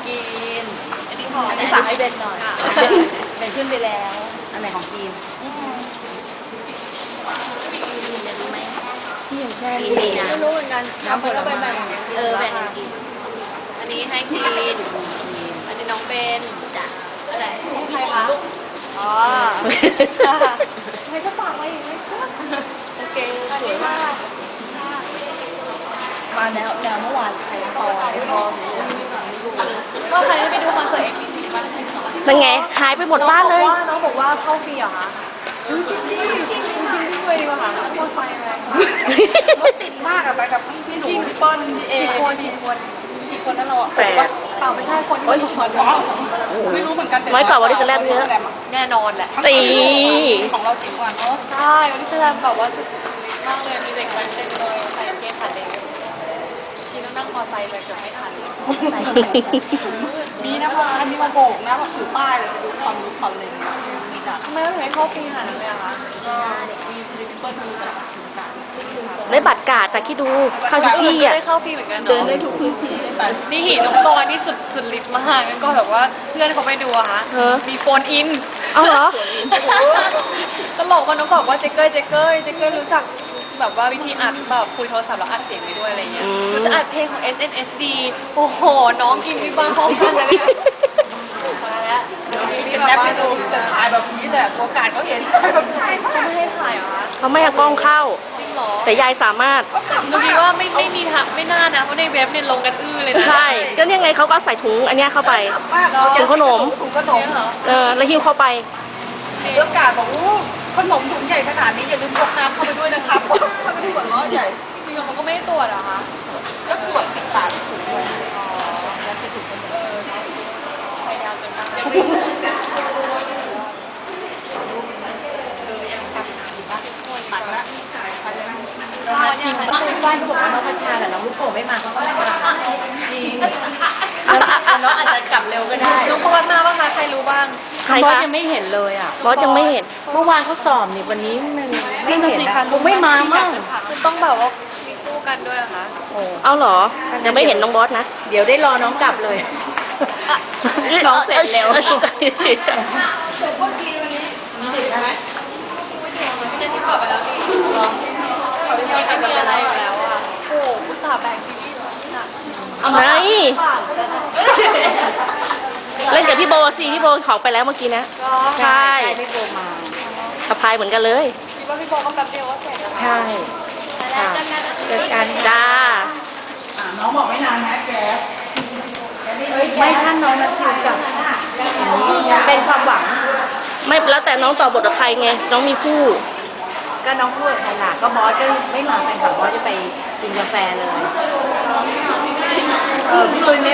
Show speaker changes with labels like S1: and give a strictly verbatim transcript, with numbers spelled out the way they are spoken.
S1: กินอันนี้ขอ
S2: อันนี้ฝากให้เบนหน่อยเบนขึ้นไปแล้วอันไหนของกิน
S1: จะรู้ไหม
S2: พี่ยังแช่
S1: กินดีนะ
S2: ไม่รู้เหมือนกันน้ำผลไม้
S1: เออแบ่งกันกินอันนี้ให้กินอันนี้น้องเบนจ้ะอะไรใครคะอ๋อใครก็ฝากไว้อีกไหมโอเคสวยมาก
S2: มาแนวแนวเมื่อวานใครพอไม่พอ
S1: ก็ใครได้ไปดูคอนเสิร์ตเอ็มบีซีบ้าง
S3: เป็นไงหายไปหมดบ้านเลย
S1: น้องบอกว่าเข้าฟรีเหรอคะจริงจริงจริงจริงด้วยดีกว่าค่ะมอไซค์อะไร
S2: รถติดมากอะไปกับพี่พี่หนูพี่เปิ้ลพี่เอ
S1: กี่คนกี่คนกี่คนนั่นเรา
S2: แปด
S1: เปล่าไม่ใช่คนที่มีคน
S2: ไม่รู้เหมือนกันแต่
S3: น้อยกว่าวันที่จะแลบเยอะ
S1: แน่นอนแหละ
S3: ตี
S2: ของเราเจ๋งกว่าเนาะ
S1: ใช่วันนี้แสดงแบบว่าชุดชุดลิสมากเลยมีเด็กมันเต็มเลยใส่กางเกงขาเด็กกินแล้วนั่งมอไซค์ไปเกือบไม่ทัน
S2: มีนะพามีมาโบกนะแบบถือป้ายเลยไปดูความรู้ความเลยมีจ้ะ
S1: ทำไมต้องให้เข้าฟรีขนาดนั้นเลยอะคะ
S2: ก็มีพี่เปิ้ลมีแบบถึงกัน
S3: ได้บัตรกาดแต่คิดดูเข้าทุกที่
S1: ก็
S3: อ่ะ
S1: ได้เข้าฟรีเหมือนกัน
S2: เดิน
S1: เนาะ
S2: ได้ทุกพื้นที่ได้ไป
S1: นี่หินน้องกรนี่สุดสุดฤทธิ์มากงั้นก็แบบว่าเพื่อนเขาไปดูอะคะมีโฟนอิน
S3: เอาเหรอ
S1: ตลกมันน้องบอกว่าเจ๊เก้ยเจ๊เก้ยเจ๊เก้ยรู้จักแบบว่าวิธีอัดแบบคุยโทรศัพท์แล้วอัดเสียงไปด้วยอะไรเงี้ย
S3: อืม
S1: หนูจะอัดเพลงของ เอส เอ็น เอส ดี โอ้โห น้องกินที่บ้านพร้อมกันเลยเนี่ยมาแล้วเดี๋ยวนี้
S2: เป็น
S1: แบบ
S2: แอป
S1: ว่า
S2: ให้ดูแต่ถ่ายแบบนี้แหละตัวการเขาเห็นถ่ายแบบใช่มาก
S1: เขาไม่ให้ถ่ายเหรอคะ
S3: เขาไม่ให้กล้องเข้า
S1: จริงเหรอ
S3: แต่ยายสามารถ
S2: เขาขับ
S1: หนูคิดว่าไม่ไม่มีทางไม่น่านะเพราะในเว็บเนี่ยลงกันอื้อเลยนะ
S3: ใช่ ก็เนี่ยไงเขาก็ใส่ถุงอันเนี้ยเข้าไป
S2: มาก
S3: ถุงขนม
S2: ถุงขนม
S1: เนี่ยเหรอ
S3: เออแล้วหิ้วเข้าไป
S2: ตัวการบอกโอ้ขนมถุงใหญ่ขนาดนี้อย่าลืมพกน้ำเข้าไปด้วยนะครับเขาก็ดูหัวล้อใหญ่
S1: จริงเหรอเขาก็ไม่ให้ตรวจเหรอคะ
S2: ก็คือแบบติดปากถุงเลย
S1: พยายามจนได้มันละ
S2: น้องนัทจริงบ้านบ้านเขาบอกว่าน้องพัชชาแต่น้องลูกโป่งไม่มาเขาก็ไม่มาจริงน้องอาจจะกลับเร็วก็ได้
S1: น้องปอนมาปะคะใครรู้บ้าง
S3: ใคร
S2: บอส
S3: คะ
S2: ยังไม่เห็นเลยอ่ะ
S3: บอสยังไม่เห็น
S2: เมื่อวานเขาสอบนี่วันนี้มันไม่เห็นนะคงไม่มามั่ง
S1: คือต้องแบบว่ามีคู่กันด้วยเหรอคะ
S2: โอ้
S3: เอาเหรอ ยังไม่เห็นน้องบอสนะ
S2: เดี๋ยวได้รอน้องกลับเลย น้องเสร็จเร็ว
S1: เดี๋ยวก็กินวันนี้
S2: มีเด็กไหม
S1: พี่จะทิ้งกลับไปแล้วนี่เขาไม่มีอะไรอยู่แล้วอ่ะโอ้อุตส่าห์แบ่งซีรีส์เหรอหนัก
S3: ไหนเล่นกับพี่โบสิพี่โบของไปแล้วเมื่อกี้นะ
S1: ก็
S3: ใช่
S2: ไม่โทรมา
S3: สะพายเหมือนกันเลย
S1: คิดว่าพี่โบก็แป๊บเดียวก็เสร็จแล้ว
S2: ใช่ค่ะเจอกัน
S3: จ้า
S2: น้องบอกไม่นานนะแกไม่ท่านน้องนัทคือกับเป็นความหวัง
S3: ไม่แล้วแต่น้องต่อบทกับใครไง น้องมีคู่
S2: ก็น้องพูดใครล่ะก็บอสก็ไม่มาแฟนคลับบอสจะไปกินกาแฟเลย เออพี่ตุ้ยไม่